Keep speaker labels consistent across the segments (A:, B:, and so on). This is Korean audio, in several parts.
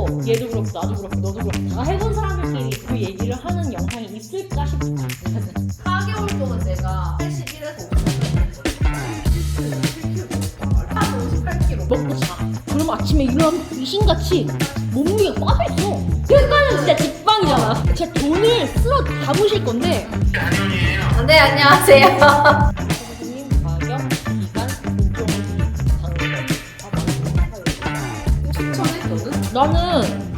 A: 해도 얘도 그렇고 나도 그렇고 너도 그렇고 다 해본 사람들끼리 그 얘기를 하는 영상이 있을까 싶다.
B: 4개월 동안 내가 81에서 58kg
A: 먹고 자. 그럼 아침에 일어나면 귀신같이 몸무게가 빠져있어. 그러니까는 진짜 직방이잖아. 진짜 돈을 쓸어 담으실 건데.
B: 네 안녕하세요.
A: 선생님 가격, 기간, 공정, 장르.
B: 추천해 너는?
A: 나는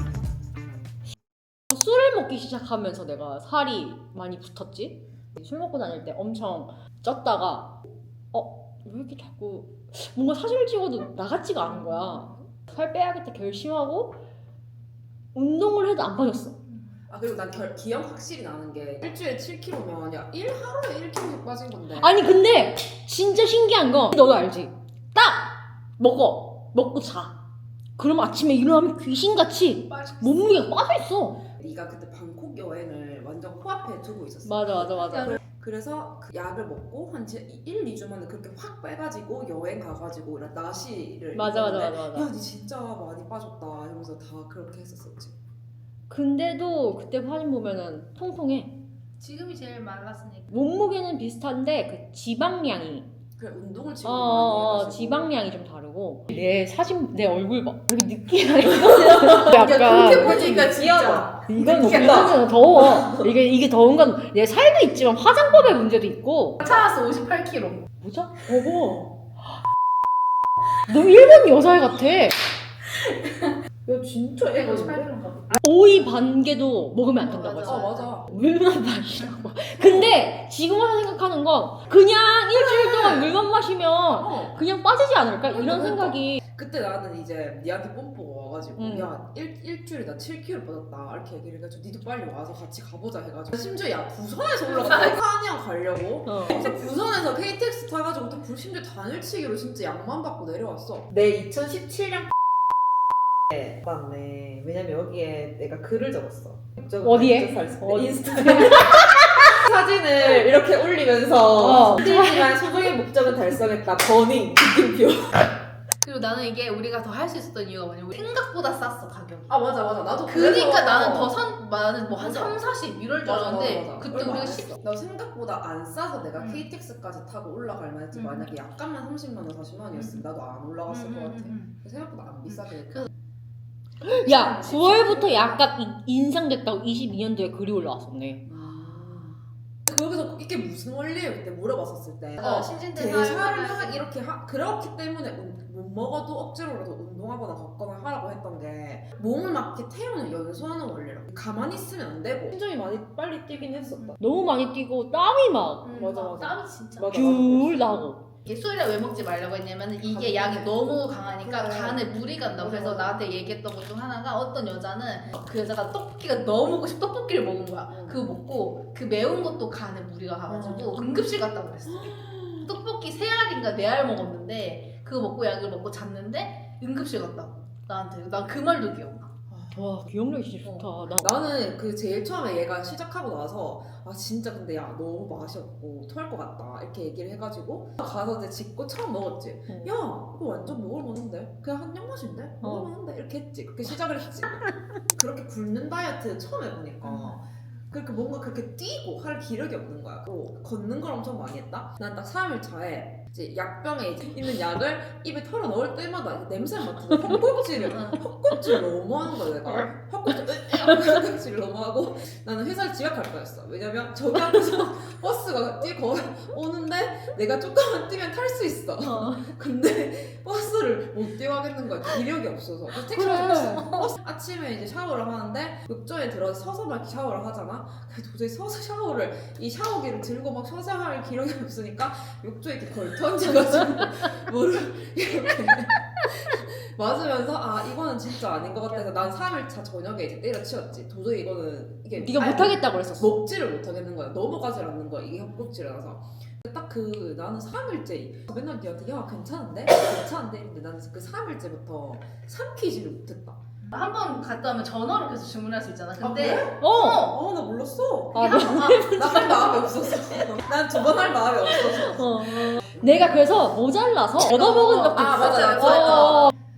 A: 술을 먹기 시작하면서 내가 살이 많이 붙었지. 술 먹고 다닐 때 엄청 쪘다가 왜 이렇게 자꾸 뭔가 사진을 찍어도 나같지가 않은 거야. 살 빼야겠다 결심하고 운동을 해도 안 빠졌어.
C: 아 그리고 난 기억 확실히 나는 게 일주일에 7kg면 야 하루에 1kg씩 빠진 건데.
A: 아니 근데 진짜 신기한 건 너도 알지? 딱 먹고 자. 그럼 아침에 일어나면 귀신같이 몸무게가 빠져있어.
C: 네가 그때 방콕 여행을 완전 코앞에 두고 있었어.
A: 맞아.
C: 그래서 그 약을 먹고 한 1, 2주 만에 그렇게 확 빼가지고 여행 가가지고 나시를
A: 맞아.
C: 야니 진짜 많이 빠졌다 이러면서 다 그렇게 했었었지.
A: 근데도 그때 사진 보면은 통통해.
B: 지금이 제일 말랐으니까.
A: 몸무게는 비슷한데 그 지방량이
C: 그래 운동을 지금 많이 해가지고.
A: 지방량이 좀 다르고. 내 사진 내 얼굴 봐. 이렇게 느끼하니까 약간
C: 그렇게 보니까 진짜
A: 이건
C: 느끼하다.
A: 이거는 더워. 이게 더운 건 내 살도 있지만 화장법의 문제도 있고.
B: 차왔어 58kg.
A: 보자. 어머. 너 일본 여자애 같아.
C: 야 진짜 애가
B: 58kg인가?
A: 오이 반개도 먹으면 안 된다고
B: 맞아.
A: 했어.
C: 맞아.
A: 물만 마시라고. 근데 지금 와서 생각하는 건 그냥 일주일 동안 물만 마시면 그냥 빠지지 않을까? 이런
C: 그러니까.
A: 생각이.
C: 그때 나는 이제 니한테 뽐뿌가 와가지고 야 일주일에 나 7kg 빠졌다 이렇게 얘기를 해가지고 니도 빨리 와서 같이 가보자 해가지고 심지어 야 부산에서 올라갔다 한양 가려고 그래서 부산에서 KTX 타가지고 또 심지어 단일치기로 진짜 약만 받고 내려왔어.
D: 내 2017년 맞네. 왜냐면 여기에 내가 글을 적었어.
A: 어디에?
D: 어디? 인스타그램 사진을 이렇게 올리면서 힘들지만 소정의 목적은 달성했다. 버닝 느낌표.
B: 그리고 나는 이게 우리가 더 할 수 있었던 이유가 뭐냐면 우리 생각보다 쌌어 가격이.
C: 아 맞아 나도
B: 그러니까 나는 나는 뭐 한 3, 40 이럴 줄
C: 맞아,
B: 알았는데
C: 맞아.
B: 그때
C: 얼마
B: 우리가
C: 안
B: 10.
C: 했어. 나 생각보다 안 싸서 내가 KTX까지 타고 올라갈 만했지. 만약에 약간만 30만 원 40만 원이었으면 나도 안 올라갔을 것 같아. 생각보다 안 비싸게.
A: 야 9월부터 약간 인상됐다고 22년도에 글이 올라왔었네.
C: 거기서 이게 무슨 원리예요? 그때 물어봤었을 때
B: 신진대사
C: 대사를 이렇게 그렇기 때문에 못 먹어도 억지로라도 운동하거나 걷거나 하라고 했던 게 몸을 막 이렇게 태우는 연소하는 원리라고. 가만히 있으면 안 되고.
D: 심정이 많이 빨리 뛰긴 했었다.
A: 너무 많이 뛰고 땀이 막
D: 맞아.
B: 땀이 진짜.
D: 맞아.
A: 귤 나고.
B: 이게 술이라 왜 먹지 말라고 했냐면 이게 약이 너무 강하니까
C: 그래.
B: 간에 물이 간다고. 그래서
C: 맞아.
B: 나한테 얘기했던 것 중 하나가 어떤 여자는 그 여자가 떡볶이가 너무 먹고 싶어 떡볶이를 먹은 거야. 그거 먹고 그 매운 것도 간에 무리가 가가지고 응급실 갔다고 그랬어. 떡볶이 3알인가 4알 먹었는데 그거 먹고 약을 먹고 잤는데 응급실 갔다고 나한테. 난 그 말도 기억나.
A: 와 기억력이 진짜 좋다.
C: 나는 그 제일 처음에 얘가 시작하고 나서 아 진짜 근데 야 너무 맛이 없고 토할 것 같다 이렇게 얘기를 해가지고 가서 이제 짚고 처음 먹었지. 야 이거 완전 먹을만한데 그냥 한약 맛인데 먹을만한데 이렇게 했지. 그렇게 시작을 했지. 그렇게 굶는 다이어트 처음 해보니까 그렇게 뭔가 그렇게 뛰고 할 기력이 없는 거야. 또 걷는 걸 엄청 많이 했다. 난 딱 3일 차에 이제 약병에 이제 있는 약을 입에 털어 넣을 때마다 냄새 맡으면 헛꿈질을 너무 하는 거야 내가. 헛꿈질을 너무 하고 나는 회사를 지각할 뻔했어. 왜냐면 저기 앞에서 버스가 뛰고 오는데 내가 조금만 뛰면 탈 수 있어. 근데 버스를 못 뛰어가겠는 거야. 기력이 없어서. 그래서 택시 타고 버스 아침에 이제 샤워를 하는데 욕조에 들어서 서서 막 샤워를 하잖아. 근데 도저히 서서 샤워를 이 샤워기를 들고 막 서서 할 기력이 없으니까 욕조에 이렇게 걸터앉아가지고 물을 이렇게 맞으면서 아 이거는 진짜 아닌 것 같아서 난 3일차 저녁에 이제 때려치웠지. 도저히 이거는 이게
A: 네가 못하겠다 그랬었어.
C: 먹지를 못하겠는 거야. 넘어가질 않는 거야. 이게 헛꿈질이라서. 딱 그 나는 3일째 맨날 니한테 야 괜찮은데? 이랬는데 나는 그 3일째부터 삼키지를 못했다.
B: 한 번 갔다 오면 전화로 계속 주문할 수 있잖아. 근데
C: 나 몰랐어.
A: 아,
C: 나 할 마음이 없었어. 난 두 번 할 마음이 없었어.
A: 내가 그래서 모자라서 얻어먹은 적도 있어.
C: 맞아.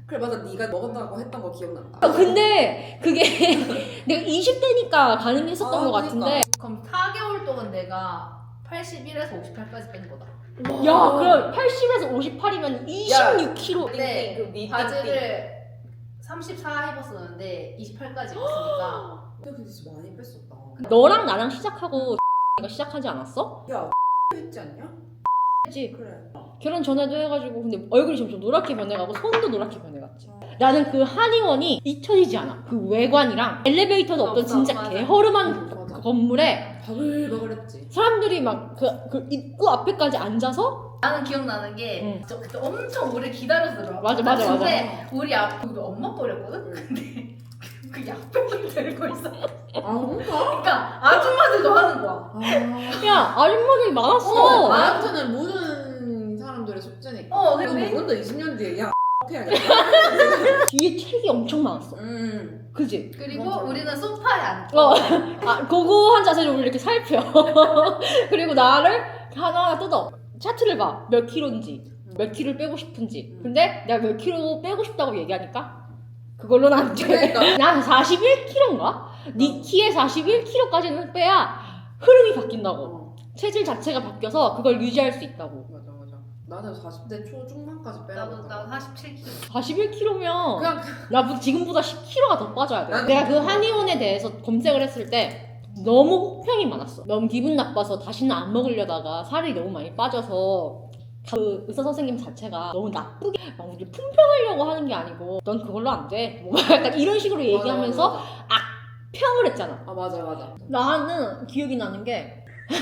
C: 그래 맞아 네가 먹었다고 했던 거 기억난다.
A: 근데 그게 내가 20대니까 가능했었던 것 같은데
B: 그럼 4개월 동안 내가 81에서 58까지 뺀 거다.
A: 야 그럼 80에서 58이면 26kg
B: 근데
D: 띵띵, 그 니
B: 바지를 34 입었었는데 28까지 입었으니까
C: 근데 진짜 많이 뺐었다.
A: 너랑 나랑 시작하고 내가 시작하지 않았어?
C: 야 했지 않냐?
A: 했지.
C: 그래.
A: 결혼 전에도 해가지고 근데 얼굴이 점점 노랗게 변해가고 손도 노랗게 변해갔지. 나는 그 한의원이 잊혀지지 않아. 그 외관이랑 엘리베이터도 없던
B: 없어,
A: 진짜
B: 맞아.
A: 개허름한
C: 맞아.
A: 건물에
C: 바글바글했지.
A: 사람들이 막 그 입구 앞에까지 앉아서
B: 나는 기억나는 게 저 그때 엄청 오래 기다려서 들어와.
A: 맞아.
B: 근데 우리 우리 엄마 거랬거든? 근데 그 약병을 들고 있어.
C: 아 뭔가?
B: 그러니까 아줌마들도 하는 거야.
A: 야 아줌마들이 많았어.
C: 나한테는 모든 사람들의 숙제니까.
B: 근데
C: 이거 먹은다 20년 뒤에 야 해야겠다.
A: 뒤에 책이 엄청 많았어. 그지?
B: 그리고
C: 맞아.
B: 우리는 소파에 앉고
A: 그거 한 자세로 우리 이렇게 살펴. 그리고 나를 하나하나 뜯어. 차트를 봐. 몇 킬로인지, 몇 킬로를 빼고 싶은지. 근데 내가 몇 킬로 빼고 싶다고 얘기하니까 그걸로는 안 돼.
C: 그러니까.
A: 난 41킬로인가? 네 키에 41킬로까지는 빼야 흐름이 바뀐다고. 체질 자체가 바뀌어서 그걸 유지할 수 있다고.
C: 맞아. 나는 40대 초중반까지
B: 나도
C: 빼라고.
B: 47kg.
A: 41kg면
C: 그냥
A: 나 지금보다 10kg가 더 빠져야 돼.
C: 나도
A: 내가 그 한의원에 대해서 검색을 했을 때 너무 혹평이 많았어. 너무 기분 나빠서 다시는 안 먹으려다가 살이 너무 많이 빠져서 그 의사 선생님 자체가 너무 나쁘게 막 우리 품평하려고 하는 게 아니고 넌 그걸로 안 돼. 뭐 약간 이런 식으로 얘기하면서
C: 맞아.
A: 평을 했잖아.
C: 아 맞아.
A: 나는 기억이 나는 게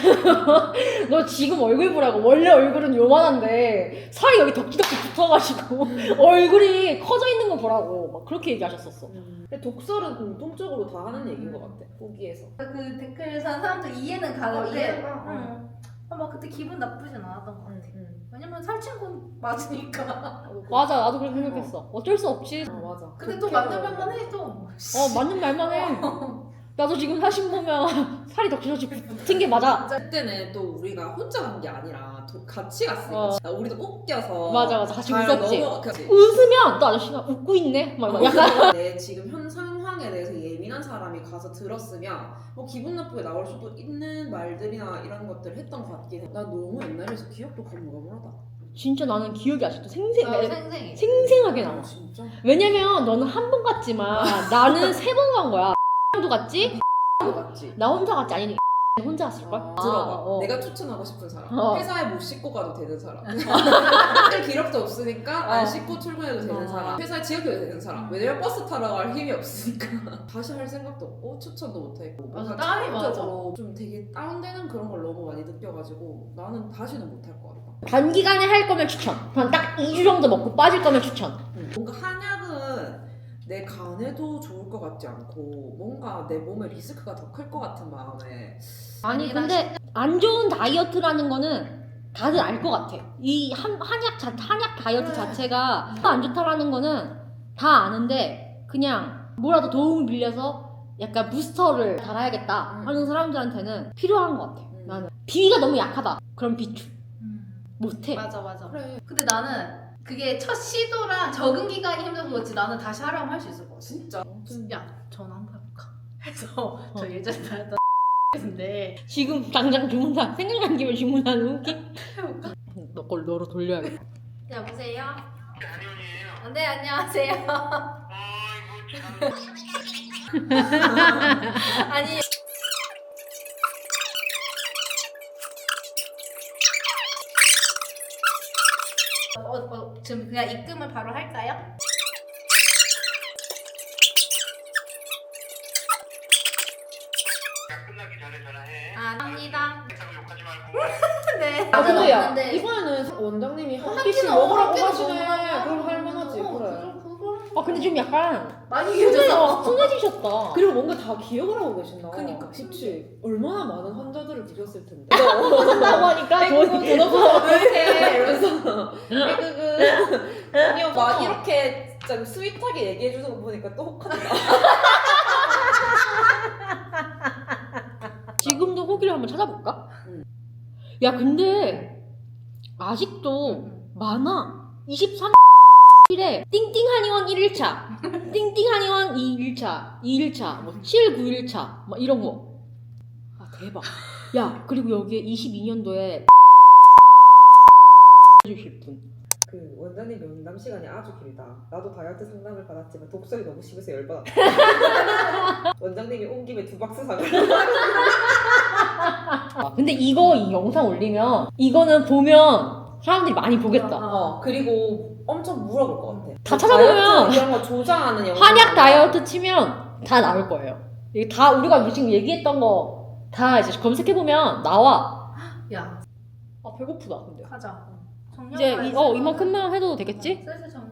A: 너 지금 얼굴 보라고. 원래 얼굴은 요만한데 살이 여기 덕지덕지 붙어가지고 얼굴이 커져 있는 거 보라고 막 그렇게 얘기하셨었어.
D: 근데 독설은 공통적으로 다 하는 얘기인 것 같아. 보기에서.
B: 그 댓글에서 한 사람들 이해는 가는데
C: 이해가 가.
B: 막 그때 기분 나쁘진 않았던 것 같아. 왜냐면 살찐 건 맞으니까.
A: 맞아, 나도 그렇게 생각했어. 어쩔 수 없지.
D: 맞아.
B: 근데 또 맞는 말만 해 또.
A: 맞는 말만 해. 나도 지금 사진 보면 살이 덕지덕지 붙은 게 맞아.
C: 그때는 또 우리가 혼자 간 게 아니라 같이 갔으니까 우리도 웃겨서
A: 맞아, 같이
C: 잘
A: 웃었지.
C: 넘어갔지.
A: 웃으면 또 아저씨가 웃고 있네. 막 약간
C: 내 지금 현 상황에 대해서 예민한 사람이 가서 들었으면 뭐 기분 나쁘게 나올 수도 있는 말들이나 이런 것들을 했던 것 같긴 해. 나 너무 옛날에서 기억도 가물가물하다.
A: 진짜 나는 기억이 아직도
B: 생생해.
A: 생생하게 남아.
C: 진짜?
A: 왜냐면 너는 한 번 갔지만 나는 3번 간 거야. 도 갔지?
C: 맞지?
A: 나 혼자 갔지? 아니 혼자 갔을걸?
C: 들어봐. 내가 추천하고 싶은 사람.
A: 어.
C: 회사에 못 씻고 가도 되는 사람. 할 기록도 없으니까 안 씻고 출근해도 되는 사람. 회사에 지각해도 되는 사람. 왜냐면 버스 타러 갈 힘이 없으니까. 다시 할 생각도 없고 추천도 못했고.
B: 맞아, 땀이
C: 체력적으로 좀 되게 다운되는 그런 걸 너무 많이 느껴가지고 나는 다시는 못 할 것 같다.
A: 단기간에 할 거면 추천. 한 딱 2주 정도 먹고 빠질 거면 추천.
C: 뭔가 한약은 내 간에도 좋을 것 같지 않고 뭔가 내 몸에 리스크가 더 클 것 같은 마음에.
A: 아니 근데 안 좋은 다이어트라는 거는 다들 알 것 같아. 이 한약 다이어트 자체가 안 좋다라는 거는 다 아는데 그냥 뭐라도 도움을 빌려서 약간 부스터를 달아야겠다 하는 사람들한테는 필요한 것 같아. 나는 비위가 너무 약하다. 그럼 비추. 못해.
B: 맞아.
C: 그래.
B: 근데 나는 그게 첫 시도랑 적응 기간이 힘들어서 그렇지 나는 다시 하라고 할 수 있을 것 같아.
C: 진짜.
B: 야, 전화 한번 해볼까? 해서 저 예전에 다녔던 인데
A: 지금 당장 주문한 생각난 김에 주문하는 웃기? 너 걸 너로 돌려야겠다.
B: 여보세요?
E: 아니요.
B: 네, 안녕하세요.
E: 아이고 참.
B: 아니 지금 그냥 입금을 바로 할까요?
E: 야, 끝나기 전에 전화해.
B: 아, 합니다.
E: 했다고 욕하지 말고.
B: 네.
D: 아 근데 야
B: 맞는데
D: 이번에는 원장님이 한
B: 한
D: 끼씩
B: 끼는
D: 먹으라고
B: 한 끼는
D: 하시네.
B: 먹으라고
D: 그럼 할만하지.
B: 하고,
D: 그래.
A: 아 근데 좀 약간
B: 많이 길어졌어.
A: 순해지셨다.
D: 그리고 뭔가 다 기억을 하고 계신다.
C: 그니까.
D: 그치. 얼마나 많은 환자들을 보셨을 텐데.
A: 한다고 하니까 돈
D: 돈 없어서 이렇게 이러면서 에그그 돈이 없어. 막 이렇게 진짜 스윗하게 얘기해 주는 거 보니까 또 혹한다.
A: 지금도 후기를 한번 찾아볼까?
C: 응.
A: 야 근데 아직도 많아. 23 7에 띵띵 한의원 1일차, 띵띵 한의원 2일차, 2일차, 뭐 7, 9일차, 막 이런 거. 아 대박. 야 그리고 여기에 22년도에 해주실 분.
C: 그 원장님 면담 시간이 아주 길다. 나도 다이어트 상담을 받았지만 독설이 너무 심해서 열받았다. 원장님이 온 김에 2박스 사가.
A: 아, 근데 이거 이 영상 올리면 이거는 보면 사람들이 많이 보겠다.
C: 그리고 엄청 물어볼 것 같아.
A: 다 찾아보면
C: 다이어트 이런 거 조장하는 영상.
A: 한약 다이어트 치면 다 나올 거예요. 이게 다 우리가 지금 얘기했던 거 다 이제 검색해 보면 나와.
B: 야
A: 아 배고프다 근데.
B: 가자.
A: 이제 이만큼만 해도 되겠지?
B: 슬슬 정리.